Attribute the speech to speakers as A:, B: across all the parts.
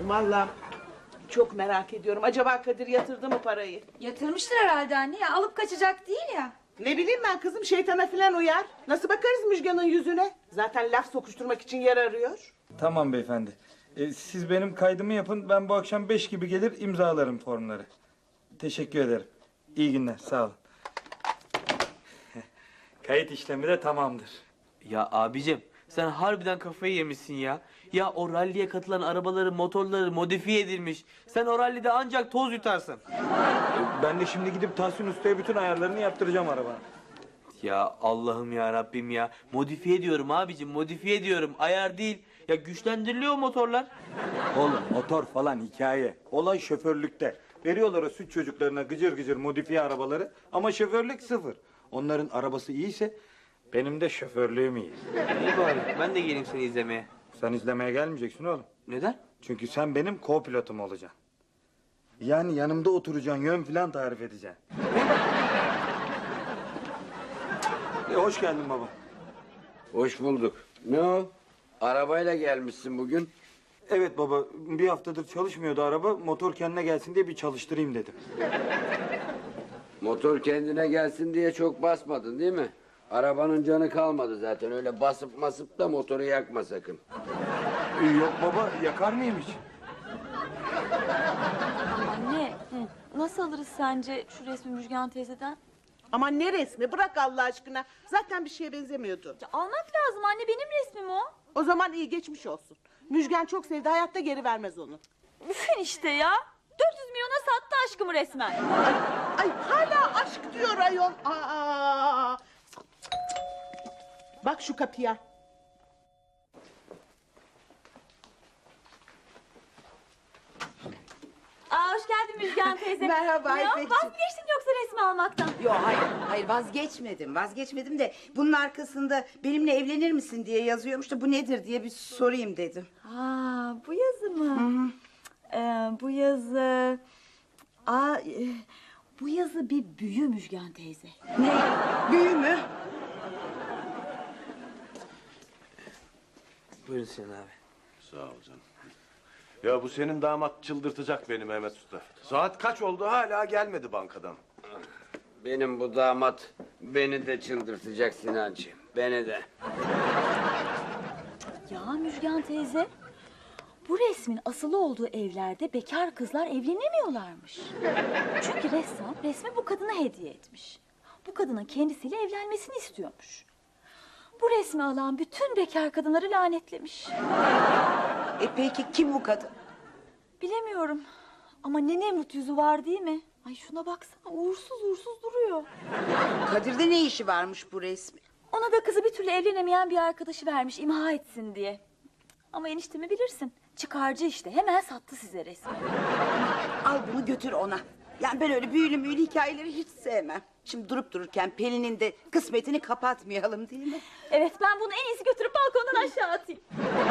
A: Vallahi çok merak ediyorum. Acaba Kadir yatırdı mı parayı?
B: Yatırmıştır herhalde anne ya. Alıp kaçacak değil ya.
A: Ne bileyim ben kızım, şeytana filan uyar. Nasıl bakarız Müjgan'ın yüzüne? Zaten laf sokuşturmak için yer arıyor.
C: Tamam beyefendi. Siz benim kaydımı yapın. Ben bu akşam 5 gibi gelir imzalarım formları. Teşekkür ederim. İyi günler. Sağ olun. Kayıt işlemi de tamamdır.
D: Ya abicim sen harbiden kafayı yemişsin ya. Ya o ralliye katılan arabaları, motorları modifiye edilmiş. Sen o rallide ancak toz yutarsın.
C: Ben de şimdi gidip Tahsin Usta'ya bütün ayarlarını yaptıracağım arabanın.
D: Ya Allah'ım ya Rabbim ya. Modifiye ediyorum abicim, modifiye ediyorum. Ayar değil. Ya güçlendiriliyor motorlar.
C: Oğlum motor falan hikaye. Olay şoförlükte. Veriyorlar o süt çocuklarına gıcır gıcır modifiye arabaları ama şoförlük sıfır. Onların arabası iyiyse benim de şoförlüğüm iyi.
D: İyi bari. Ben de geleyim seni izlemeye.
C: Sen izlemeye gelmeyeceksin oğlum.
D: Neden?
C: Çünkü sen benim co-pilotum olacaksın. Yani yanımda oturacaksın, yön falan tarif edeceksin. Hoş geldin baba.
E: Hoş bulduk. Ne o? Arabayla gelmişsin bugün.
C: Evet baba, bir haftadır çalışmıyordu araba. Motor kendine gelsin diye bir çalıştırayım dedim.
E: Motor kendine gelsin diye çok basmadın değil mi? Arabanın canı kalmadı zaten. Öyle basıp masıp da motoru yakma sakın.
C: Yok baba, yakar mıyım hiç?
B: Anne nasıl alırız sence şu resmi Müjgan teyzeden?
A: Aman ne resmi, bırak Allah aşkına. Zaten bir şeye benzemiyordu.
B: Ya, almak lazım anne, benim resmim o.
A: O zaman iyi, geçmiş olsun. Müjgan çok sevdi, hayatta geri vermez onu.
B: Üfün işte ya. 400 milyona sattı aşkımı resmen.
A: Ay hala aşk diyor ayol. Aa! Bak şu kapıya.
B: Hoş geldin Müjgan teyze.
F: Merhaba
B: Ya
F: İpekciğim.
B: vazgeçtin yoksa resmi almaktan?
F: Yok hayır vazgeçmedim de bunun arkasında benimle evlenir misin diye yazıyormuş da bu nedir diye bir sorayım dedim.
B: Bu yazı mı? Bu yazı... bu yazı bir büyü Müjgan teyze.
F: Ne? Büyü mü?
D: Buyurun Sinan abi.
G: Sağ ol canım. Ya bu senin damat çıldırtacak beni Mehmet Usta. Saat kaç oldu hala gelmedi bankadan.
E: Benim bu damat beni de çıldırtacak Sinancığım. Beni de.
B: Ya Müjgan teyze, bu resmin asılı olduğu evlerde bekar kızlar evlenemiyorlarmış. Çünkü ressam resmi bu kadına hediye etmiş. Bu kadının kendisiyle evlenmesini istiyormuş. Bu resmi alan bütün bekar kadınları lanetlemiş.
F: Peki kim bu kadın?
B: Bilemiyorum ama ne Nemrut yüzü var değil mi? Ay şuna baksana, uğursuz uğursuz duruyor.
F: Kadir'de ne işi varmış bu resmi?
B: Ona da kızı bir türlü evlenemeyen bir arkadaşı vermiş imha etsin diye. Ama eniştemi bilirsin, çıkarcı işte, hemen sattı size resmi.
F: Al bunu götür ona. Yani ben öyle büyülü hikayeleri hiç sevmem. Şimdi durup dururken Pelin'in de kısmetini kapatmayalım değil mi?
B: Evet, ben bunu en iyisi götürüp balkondan aşağı atayım.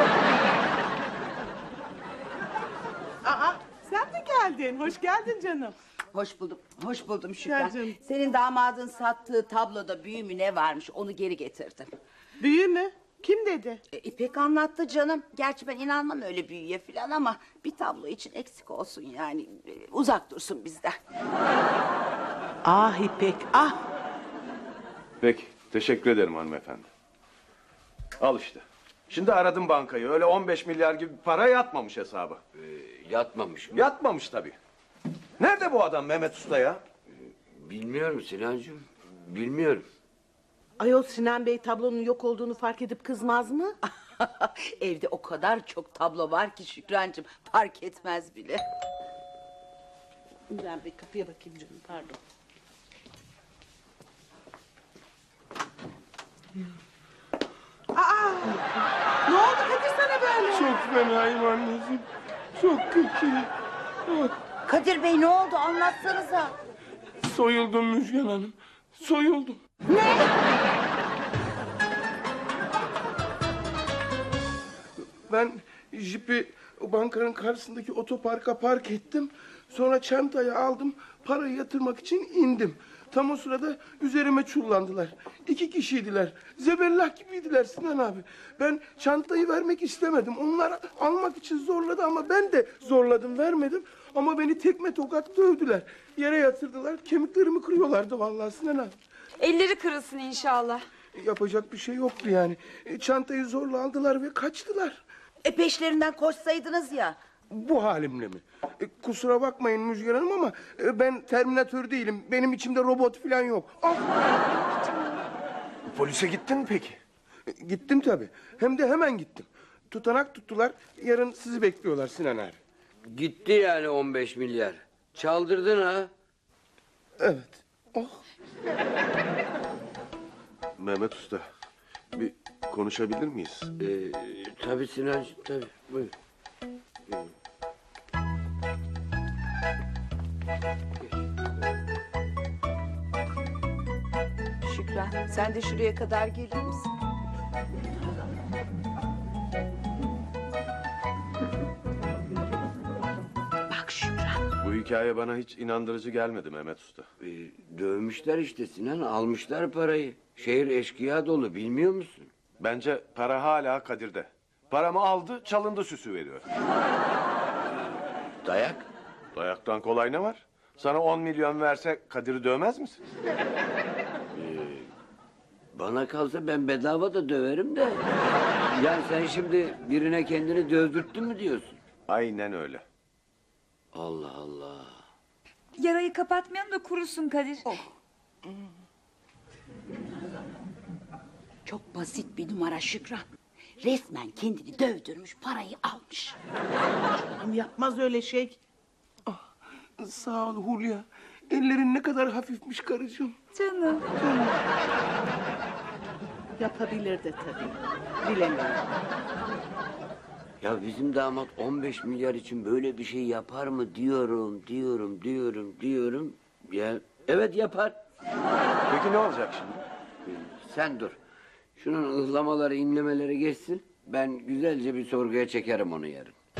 A: Aa, sen mi geldin? Hoş geldin canım.
F: Hoş buldum Şükran.
A: Gel canım.
F: Senin damadın sattığı tabloda büyü mü ne varmış onu geri getirdim.
A: Büyü mü? Kim dedi?
F: İpek anlattı canım. Gerçi ben inanmam öyle büyüye falan ama bir tablo için eksik olsun yani. Uzak dursun bizden.
A: Ah İpek, ah.
G: Peki teşekkür ederim hanımefendi. Al işte. Şimdi aradım bankayı. Öyle 15 milyar gibi para yatmamış hesaba.
E: Yatmamış mı?
G: Yatmamış tabii. Nerede bu adam Mehmet Usta ya?
E: Bilmiyorum Sinancığım. Bilmiyorum.
A: Ayol Sinan Bey tablonun yok olduğunu fark edip kızmaz mı?
F: Evde o kadar çok tablo var ki Şükrancığım fark etmez bile.
A: Ben bir kapıya bakayım canım, pardon. Aa! Ne oldu Kadir sana böyle?
C: Çok fenayım anneciğim. Çok kötü.
F: Kadir Bey ne oldu anlatsanıza.
C: Soyuldum Müjgan Hanım. Soyuldum.
H: Ben jipi bankanın karşısındaki otoparka park ettim. Sonra çantayı aldım, parayı yatırmak için indim. Tam o sırada üzerime çullandılar. 2 kişiydiler. Zebellah gibiydiler Sinan abi. Ben çantayı vermek istemedim. Onlar almak için zorladı ama ben de zorladım, vermedim. Ama beni tekme tokat dövdüler. Yere yatırdılar. Kemiklerimi kırıyorlardı vallahi Sinan abi.
I: Elleri kırılsın inşallah.
H: Yapacak bir şey yoktu yani. Çantayı zorla aldılar ve kaçtılar.
F: Peşlerinden koşsaydınız ya.
H: Bu halimle mi? Kusura bakmayın Müjgan Hanım ama ben Terminatör değilim. Benim içimde robot falan yok. Ah!
G: Polise gittin mi peki?
H: Gittim tabii. Hem de hemen gittim. Tutanak tuttular. Yarın sizi bekliyorlar Sinan abi.
E: Gitti yani 15 milyar. Çaldırdın ha.
H: Evet. Oh.
G: Mehmet Usta, bir konuşabilir miyiz?
E: Tabii Sinancığım tabii. Buyur.
F: Şükran sen de şuraya kadar gelir misin? Bak Şükran.
G: Bu hikaye bana hiç inandırıcı gelmedi Mehmet Usta.
E: Dövmüşler işte Sinan, almışlar parayı. Şehir eşkıya dolu, bilmiyor musun?
G: Bence para hala Kadir'de. Paramı aldı, çalındı süsü veriyor.
E: Dayak.
G: Dayaktan kolay ne var? Sana 10 milyon verse Kadir'i dövmez misin?
E: Bana kalsa ben bedava da döverim de. Yani sen şimdi birine kendini dövdürttün mü diyorsun?
G: Aynen öyle.
E: Allah Allah.
I: Yarayı kapatmayalım da kurusun Kadir.
F: Çok basit bir numara Şükran. Resmen kendini dövdürmüş, parayı almış.
A: Yapmaz öyle şey.
H: Sağ ol Hulya. Ellerin ne kadar hafifmiş karıcığım.
I: Canım.
A: Yapabilir de tabii. Bilemiyorum.
E: Ya bizim damat 15 milyar için böyle bir şey yapar mı diyorum. Ya evet yapar.
G: Peki ne olacak şimdi?
E: Sen dur. Şunun ıhlamaları, inlemeleri geçsin. Ben güzelce bir sorguya çekerim onu yarın.